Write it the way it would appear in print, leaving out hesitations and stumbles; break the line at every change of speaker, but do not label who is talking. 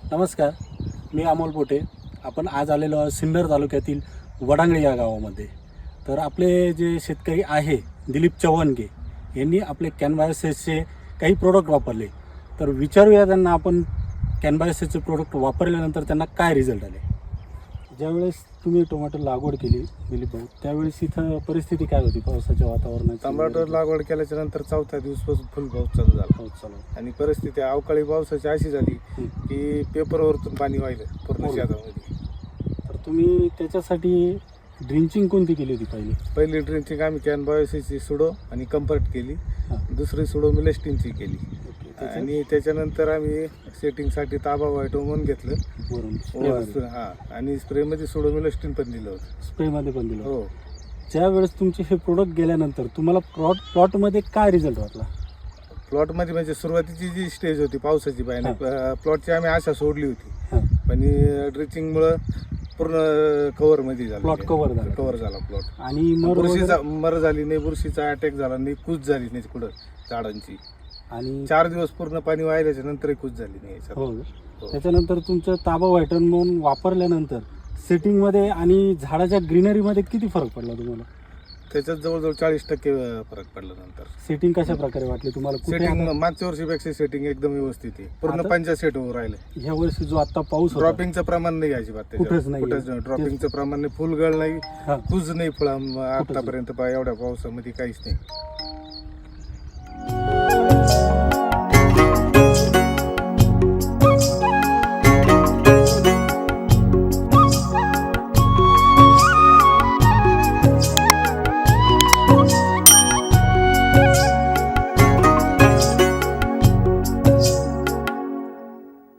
नमस्कार, मी अमोल पोटे. आपण आज आलेलो आहोत सिन्नर तालुक्यातील वडांगळे या गावामध्ये. तर आपले जे शेतकरी आहे दिलीप चव्हाणगे यांनी आपले कॅनबायोसिसचे काही प्रोडक्ट वापरले. तर विचारूया त्यांना आपण कॅनबायोसिसचे प्रोडक्ट वापरल्यानंतर त्यांना काय रिझल्ट आले. ज्यावेळेस तुम्ही टोमॅटो लागवड केली दिलीप भाऊ, त्यावेळेस इथं परिस्थिती काय होती पावसाच्या वातावरणाची?
टमाटर लागवड केल्याच्या नंतर चौथ्या दिवसपासून फुल पाऊस चालू झाला.
पाऊस चालू.
आणि परिस्थिती अवकाळी पावसाची अशी झाली की पेपरवरतून पाणी वाहिलं पूर्ण शेतामध्ये.
तर तुम्ही त्याच्यासाठी ड्रिंचिंग कोणती केली होती
पहिली ड्रिंचिंग आम्ही कॅनबायोसिसची सुडो आणि कम्फर्ट केली. दुसरी सुडो मिलेस्टिनची केली. आणि त्याच्यानंतर आम्ही सेटिंगसाठी ताबा व्हायटोमोन घेतलं. आणि स्प्रेमध्ये सुडो मिलेस्टिन पण दिलं होतं.
स्प्रेमध्ये पण दिलं.
हो.
ज्यावेळेस तुमचे हे प्रोडक्ट गेल्यानंतर तुम्हाला प्लॉटमध्ये काय रिझल्ट वाटला?
प्लॉटमध्ये म्हणजे सुरुवातीची जी स्टेज होती पावसाची पाहिजे प्लॉटची आम्ही आशा सोडली होती. पण ड्रिचिंगमुळं पूर्ण कव्हरमध्ये झालं.
प्लॉट कव्हर झाला
प्लॉट.
आणि
मर झाली नाही, बुरशीचा अटॅक झाला नाही, कूच झाली नाही कुठं झाडांची.
आणि
4 दिवस पूर्ण पाणी वाहिल्याच्या नंतर कूच झाली नाही याच्यात.
हो. त्याच्यानंतर तुमचं ताबा व्हायटन म्हणून वापरल्यानंतर सेटिंगमध्ये आणि झाडाच्या ग्रीनरीमध्ये किती फरक पडला तुम्हाला?
त्याच्यात जवळजवळ 40% फरक पडला. नंतर
सेटिंग कशा प्रकारे वाटली तुम्हाला?
सेटिंग मागच्या वर्षीपेक्षा सेटिंग एकदम व्यवस्थित आहे. पूर्ण 5 सेट होऊन राहिले.
ह्या वर्षी जो आता पाऊस
ड्रॉपिंगचं प्रमाण नाही अजिबात.
कुठेच नाही.
ड्रॉपिंगचं प्रमाण नाही, फुलगळ नाही, कुज नाही फळ आतापर्यंत एवढ्या पावसामध्ये काहीच नाही.